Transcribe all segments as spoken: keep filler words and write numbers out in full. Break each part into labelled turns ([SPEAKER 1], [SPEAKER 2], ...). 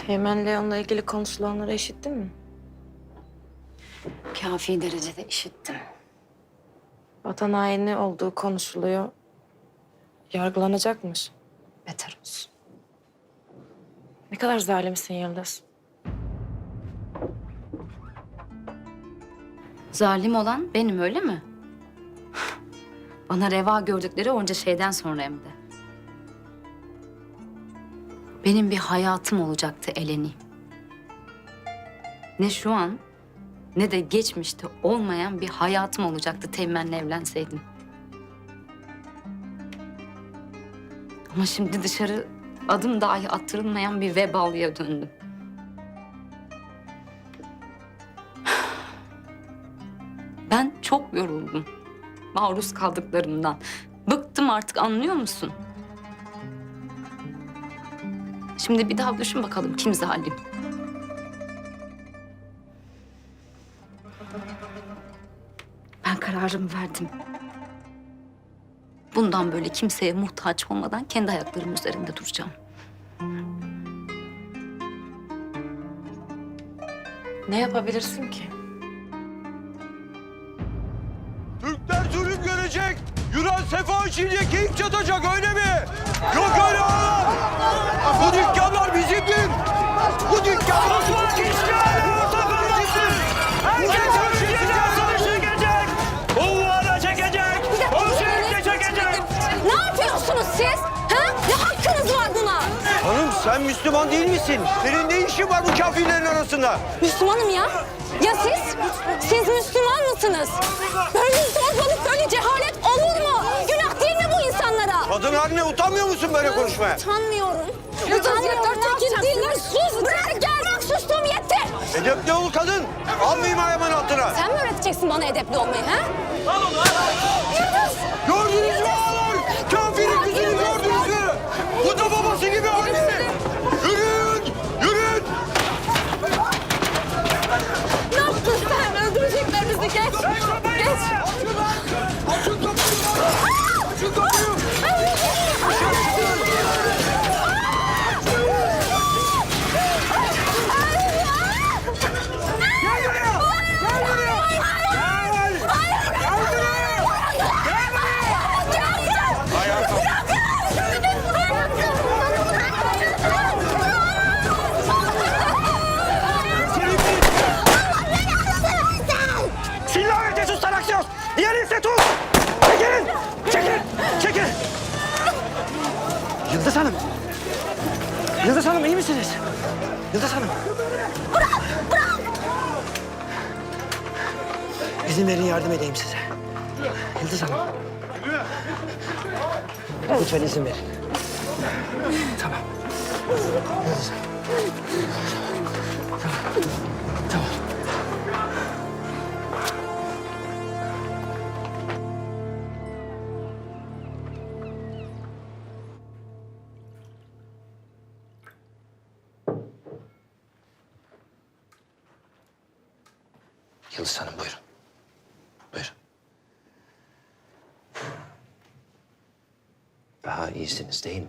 [SPEAKER 1] Teğmen Leon'la ilgili konuşulanları işittin mi?
[SPEAKER 2] Kafi derecede işittim.
[SPEAKER 1] Vatan haini olduğu konuşuluyor. Yargılanacakmış.
[SPEAKER 2] Beter olsun.
[SPEAKER 1] Ne kadar zalimsin Yıldız.
[SPEAKER 2] Zalim olan benim, öyle mi? Bana reva gördükleri onca şeyden sonra hem de. Benim bir hayatım olacaktı Eleni. Ne şu an ne de geçmişte olmayan bir hayatım olacaktı Teğmen'le evlenseydim. Ama şimdi dışarı adım dahi attırılmayan bir vebalıya döndüm. Ben çok yoruldum maruz kaldıklarımdan. Bıktım artık, anlıyor musun? Şimdi bir daha düşün bakalım kim zalim? Ben kararımı verdim. Bundan böyle kimseye muhtaç olmadan kendi ayaklarımın üzerinde duracağım.
[SPEAKER 1] Ne yapabilirsin ki?
[SPEAKER 3] Türkler zulüm görecek. Yunan sefa içince keyif çatacak, öyle mi? Yok öyle oğlum. Bu dükkanlar bizimdir. Bu dükkanlar bizimdir. Herkes ölçüsüyle savaşacak. Oğullara çekecek. Ölçüsüyle çekecek.
[SPEAKER 4] Ne yapıyorsunuz siz? Ha? Ne hakkınız var buna?
[SPEAKER 3] Hanım sen Müslüman değil misin? Senin ne işin var bu kafirlerin arasında?
[SPEAKER 4] Müslümanım ya. Ya siz? Siz Müslüman mısınız? Böyle zorbalık, böyle cehalet olur mu? Günah değil mi bu insanlara?
[SPEAKER 3] Kadın haline utanmıyor musun böyle konuşmaya?
[SPEAKER 4] Utanmıyorum. Utanmıyorum. Tekin değiller. Sus. Bırak gel. Bırak, sustum yetti.
[SPEAKER 3] Edepli ol kadın. Almayayım ayağımın altına.
[SPEAKER 4] Sen mi öğreteceksin bana edepli olmayı ha?
[SPEAKER 3] Gördünüz mü ağalar? Kafirin kızını gördünüz mü? Bu da babası gibi halimi. Yürüyün! Yürüyün!
[SPEAKER 4] Ne yaptın sen? Öldürecekler bizi. Geç. Geç.
[SPEAKER 3] Açın kapıyı! Açın kapıyı! Gel buraya! Gel buraya! Gel! Gel buraya! Gel buraya! Ayağa kalk. Silah ve tesus aksiyon! Diğer ise tut! Çekilin! Çekilin! Çekilin! Yıldız Hanım! Yıldız Hanım iyi misiniz? Yıldız Hanım! Bırak! Bırak! İzin verin yardım edeyim size. Yıldız Hanım. Lütfen izin verin. Tamam. Yıldız Hanım. Tamam. Tamam. Yıldız Hanım buyurun. Buyurun. Daha iyisiniz değil mi?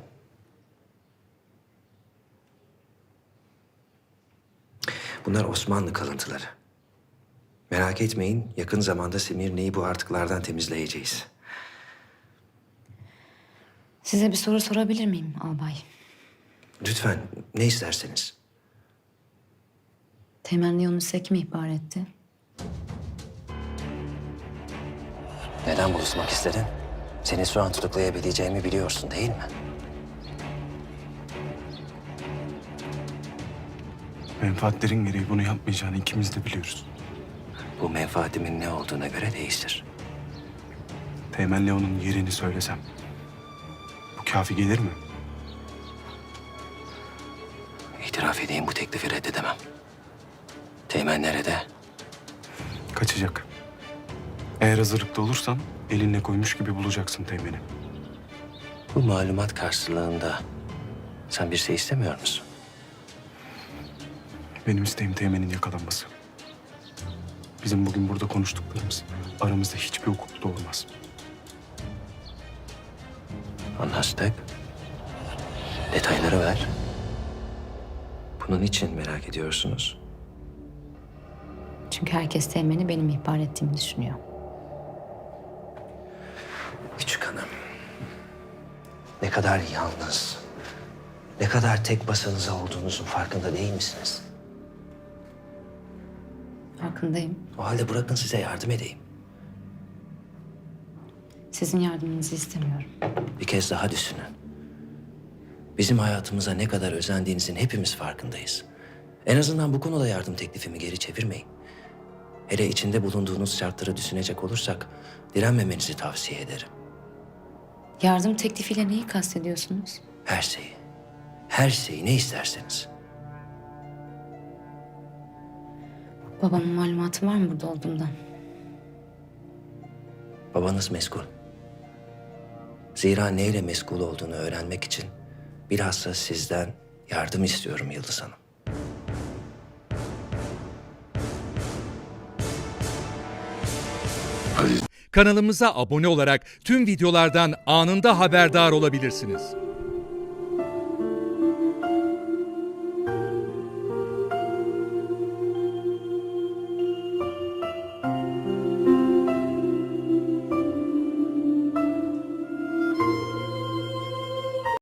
[SPEAKER 5] Bunlar Osmanlı kalıntıları. Merak etmeyin, yakın zamanda Semirne'yi bu artıklardan temizleyeceğiz.
[SPEAKER 2] Size bir soru sorabilir miyim albay?
[SPEAKER 5] Lütfen, ne isterseniz.
[SPEAKER 2] Teğmen Leon'u size kim ihbar etti?
[SPEAKER 5] Neden buluşmak istedin? Seni şu an tutuklayabileceğimi biliyorsun değil mi?
[SPEAKER 6] Menfaatlerin gereği bunu yapmayacağını ikimiz de biliyoruz.
[SPEAKER 5] Bu menfaatimin ne olduğuna göre değiştir.
[SPEAKER 6] Teğmen Leon'un yerini söylesem bu kafi gelir mi?
[SPEAKER 5] İtiraf edeyim, bu teklifi reddedemem. Teğmen nerede?
[SPEAKER 6] Kaçacak. Eğer hazırlıklı olursan elinle koymuş gibi bulacaksın Teğmen'i.
[SPEAKER 5] Bu malumat karşılığında sen bir şey istemiyor musun?
[SPEAKER 6] Benim isteğim Teğmen'in yakalanması. Bizim bugün burada konuştuklarımız aramızda hiçbir hukukta olmaz.
[SPEAKER 5] Anlaştık. Detayları ver. Bunun için merak ediyorsunuz.
[SPEAKER 2] Çünkü herkes Teğmen'i benim ihbar ettiğimi düşünüyor.
[SPEAKER 5] Küçük hanım. Ne kadar yalnız, ne kadar tek başınıza olduğunuzun farkında değil misiniz?
[SPEAKER 2] Farkındayım.
[SPEAKER 5] O halde bırakın size yardım edeyim.
[SPEAKER 2] Sizin yardımınızı istemiyorum.
[SPEAKER 5] Bir kez daha düşünün. Bizim hayatımıza ne kadar özendiğinizin hepimiz farkındayız. En azından bu konuda yardım teklifimi geri çevirmeyin. Hele içinde bulunduğunuz şartları düşünecek olursak direnmemenizi tavsiye ederim.
[SPEAKER 2] Yardım teklifiyle neyi kastediyorsunuz?
[SPEAKER 5] Her şeyi, her şeyi ne isterseniz.
[SPEAKER 2] Babamın malumatı var mı burada olduğumdan?
[SPEAKER 5] Babanız meşgul. Zira neyle meşgul olduğunu öğrenmek için bilhassa sizden yardım istiyorum Yıldız Hanım.
[SPEAKER 7] Kanalımıza abone olarak tüm videolardan anında haberdar olabilirsiniz.